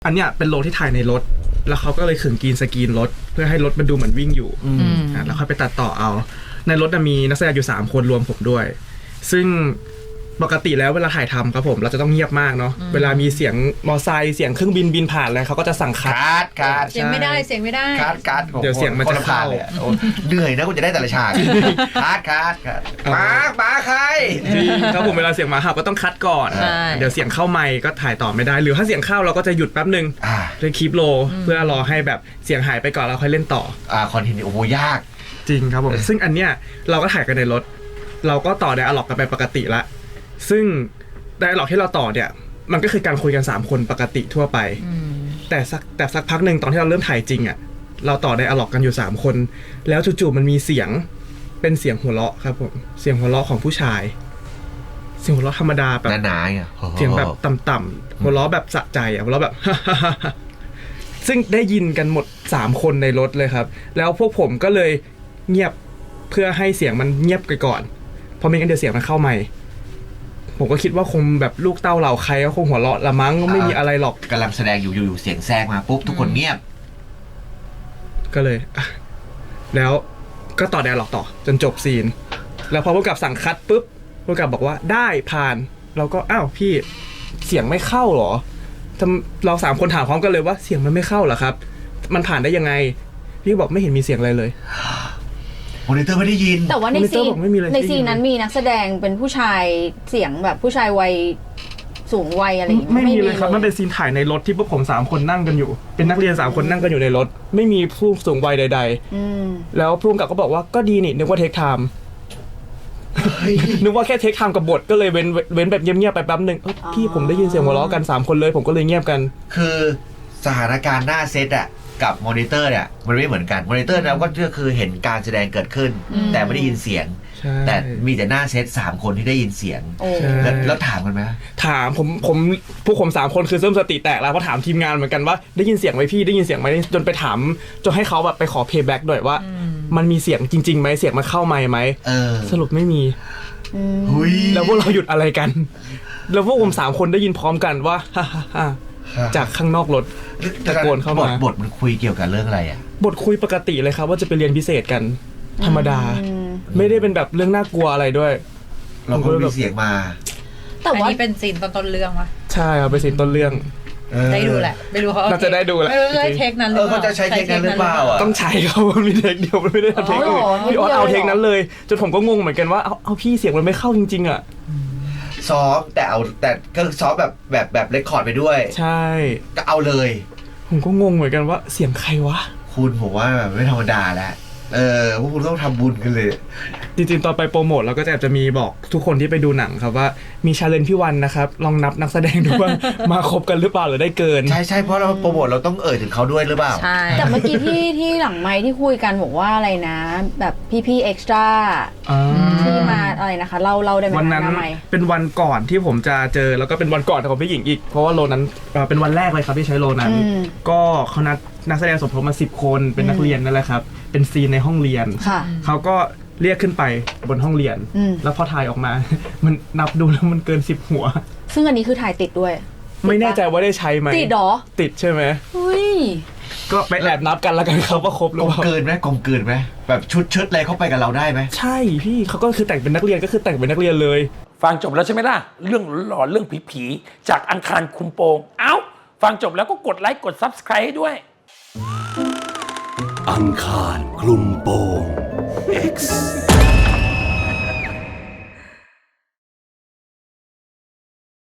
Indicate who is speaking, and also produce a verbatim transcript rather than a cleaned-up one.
Speaker 1: อันเนี้ยเป็นโลที่ถ่ายในรถแล้วเขาก็เลยขึงกรีนสกรีนรถเพื่อให้รถมันดูเหมือนวิ่งอยู่อ่ะแล้วค่อยไปตัดต่อเอาในรถมีนักแสดงอยู่สามคนรวมผมด้วยซึ่งปกติแล้วเวลาถ่ายทำครับผมเราจะต้องเงียบมากเนาะเวลามีเสียงมอไซค์เสียงเครื่องบินบินผ่านอะไรเขาก็จะสั่งคัด
Speaker 2: คัด
Speaker 3: เสียงไม่ได้เสียงไม่ได้
Speaker 2: คัดคัด
Speaker 1: เดี๋ยวเสียงมันจะเข้า
Speaker 2: เหนื่อยนะกูจะได้แต่ละฉากคัดคัดคัดหมาหมาใคร
Speaker 1: จริงครับผมเวลาเสียงหมาเห่าก็ต้องคัดก่อนเดี๋ยวเสียงเข้าไมค์ก็ถ่ายต่อไม่ได้หรือถ้าเสียงเข้าเราก็จะหยุดแป๊บนึงเลยคีปโลเพื่อรอให้แบบเสียงหายไปก่อนแล้วค่อยเล่นต่อ
Speaker 2: อ่าคอนเทนต์โอ้โหยาก
Speaker 1: จริงครับผมซึ่งอันเนี้ยเราก็ถ่ายกันในรถเราก็ต่อไดอะล็อกกันไปปกติละซึ่งไดอะล็อกที่เราต่อเนี่ยมันก็คือการคุยกันสามคนปกติทั่วไปแต่สักแต่สักพักหนึ่งตอนที่เราเริ่มถ่ายจริงอ่ะเราต่อไดอะล็อกกันอยู่สามคนแล้วจู่ๆมันมีเสียงเป็นเสียงหัวเราะครับผมเสียงหัวเราะของผู้ชายเสียงหัวเราะธรรมดาแบบ
Speaker 2: หนาๆอ่ะ
Speaker 1: เสียงแบบต่ำๆหัวเราะแบบสะใจอ่ะหัวเราะแบบ ซึ่งได้ยินกันหมดสามคนในรถเลยครับแล้วพวกผมก็เลยเงียบเพื่อให้เสียงมันเงียบไปก่อนเพราะไม่งั้นเดี๋ยวเสียงมันเข้าใหม่ผมก็คิดว่าคงแบบลูกเต้าเหล่าใครก็คงหัวเราะละมั้งไม่มีอะไรหรอก
Speaker 2: กำลังแสดงอยู่อยู่เสียงแทรกมาปุ๊บทุกคนเงียบ
Speaker 1: ก็เลยแล้วก็ต่อไดอะล็อกต่อจนจบซีนแล้วพอผู้กำกับสั่งคัดปุ๊บผู้กำกับบอกว่าได้ผ่านเราก็อ้าวพี่เสียงไม่เข้าหรอเราสามคนถามพร้อมกันเลยว่าเสียงมันไม่เข้าเหรอครับมันผ่านได้ยังไงพี่บอกไม่เห็นมีเสียงอะไรเลย
Speaker 2: มอนิเตอร์ไม่ได้ยิน
Speaker 3: แต่ว่าในซีนในซีนนั้นมีนักแสดงเป็นผู้ชายเสียงแบบผู้ชายวัยสูงวัยอะไรอย่างเงี้ย
Speaker 1: ไม่มีเลยครับมันเป็นซีนถ่ายในรถที่พวกผมสามคนนั่งกันอยู่เป็นนักเรียนสามคนนั่งกันอยู่ในรถไม่มีผู้สูงวัยใดๆแล้วผู้กำกับก็บอกว่าก็ดีนี่นึกว่าเทคไทม์นึกว่าแค่เทคไทม์กับบทก็เลยเว้นเว้นแบบเงียบๆไปแป๊บนึงพี่ผมได้ยินเสียงหัวเราะกันสามคนเลยผมก็เลยเงียบกัน
Speaker 2: คือสถานการณ์หน้าเซตอะกับมอนิเตอร์เนี่ยมันไม่เหมือนกันมอนิเตอร์เราก็คือเห็นการแสดงเกิดขึ้นแต่ไม่ได้ยินเสียงแต่มีแต่หน้าเซตสามคนที่ได้ยินเสียงแล้วถามกันไหม
Speaker 1: ถามผมผมพวกผมสามคนคือเริ่มสติแตกแล้วเพราะถามทีมงานเหมือนกันว่าได้ยินเสียงไหมพี่ได้ยินเสียงไหมจนไปถามจนให้เขาแบบไปขอเพย์แบ็กหน่อยว่ามันมีเสียงจริงๆไหมเสียงมันเข้าไมค์ไหมสรุปไม่มีแล้วพวกเราหยุดอะไรกันแล้วพวกผมสามคนได้ยินพร้อมกันว่าฮ่าฮ่าจากข้างนอกรถตะโกนเข้ามา
Speaker 2: บทมันคุยเกี่ยวกับเรื่องอะไรอ่ะ
Speaker 1: บทคุยปกติเลยครับว่าจะไปเรียนพิเศษกันธรรมดาไม่ได้เป็นแบบเรื่องน่ากลัวอะไรด้วย
Speaker 2: เราก็มีเสียงมา
Speaker 3: แต่ว่านี่เป็นซีนตอนต้นเรื่องวะ
Speaker 1: ใช่ครับเป็นซีนต้นเรื่อง
Speaker 3: ได้ดูแหละไม่รู้เขา
Speaker 1: น่าจะได้ดูแหละ
Speaker 3: ไม่รู้ใช้เทคนั้นหรือเปล่า
Speaker 2: เขาจะใช้เทคนั้นหรือเปล่าอ่ะ
Speaker 1: ต้องใช้เขามีเทคเดียวไม่ได้เทคอื่นพี่ออสเอาเทคนั้นเลยจนผมก็งงเหมือนกันว่าเอาเอาพี่เสียงมันไม่เข้าจริงๆอ่ะ
Speaker 2: ซ้อมแต่เอาแต่ก็ซ้อมแบบแบบแบบเรคคอร์ดไปด้วย
Speaker 1: ใช่
Speaker 2: ก็เอาเลย
Speaker 1: ผมก็งงเหมือนกันว่าเสียงใครวะ
Speaker 2: คุณผมว่าแบบไม่ธรรมดาแล้วเออพวกคุณต้องทำบุญกันเลย
Speaker 1: จริงๆตอนไปโปรโมทเราก็จะจะมีบอกทุกคนที่ไปดูหนังครับว่ามีชาเลนจ์พี่วันนะครับลองนับนักแสดงดูว่ามาครบกันหรือเปล่าหรือได้เกิน
Speaker 2: ใช่ใช่เพราะเราโปรโมทเราต้องเอ่ยถึงเขาด้วยหรือเปล่า
Speaker 3: ใช่แต่เมื่อกี้ที่ที่หลังไมค์ที่คุยกันบอกว่าอะไรนะแบบพี่ๆเอ็กซ์ตร้าที่มาอะไรนะคะเราเราได้ไหม
Speaker 1: วันนั้นเป็นวันก่อนที่ผมจะเจอแล้วก็เป็นวันก่อนของพี่หญิงอีกเพราะว่าโลนั้นเป็นวันแรกเลยครับที่ใช้โลนั้นก็เขานัดนักแสดงสมทบมาสิบคนเป็นนักเรียนนั่นแหละครับเป็นซีนในห้องเรียนเขาก็เรียกขึ้นไปบนห้องเรียนแล้วพอถ่ายออกมามันนับดูแล้วมันเกินสิบหัว
Speaker 3: ซึ่งอันนี้คือถ่ายติดด้วย
Speaker 1: ไม่แน่ใจว่าได้ใช้ไหม
Speaker 3: ติดหรอ
Speaker 1: ติดใช่ไหมก็ไปแอบนับกันแล้วกันเขาว่าครบหรือเปล่าก
Speaker 2: ลมกลืนไหมกลมกลืนไหมแบบชุดชุดอะไรเข้าไปกับเราได้ไหม
Speaker 1: ใช่พี่เขาก็คือแต่งเป็นนักเรียนก็คือแต่งเป็นนักเรียนเลย
Speaker 4: ฟังจบแล้วใช่ไหมล่ะเรื่องหลอนเรื่องผีๆจากอังคารคุมโปงเอ้าฟังจบแล้วก็กดไลค์กด ซับสไครบ์ ให้ด้วย
Speaker 5: อังคารคลุมโปง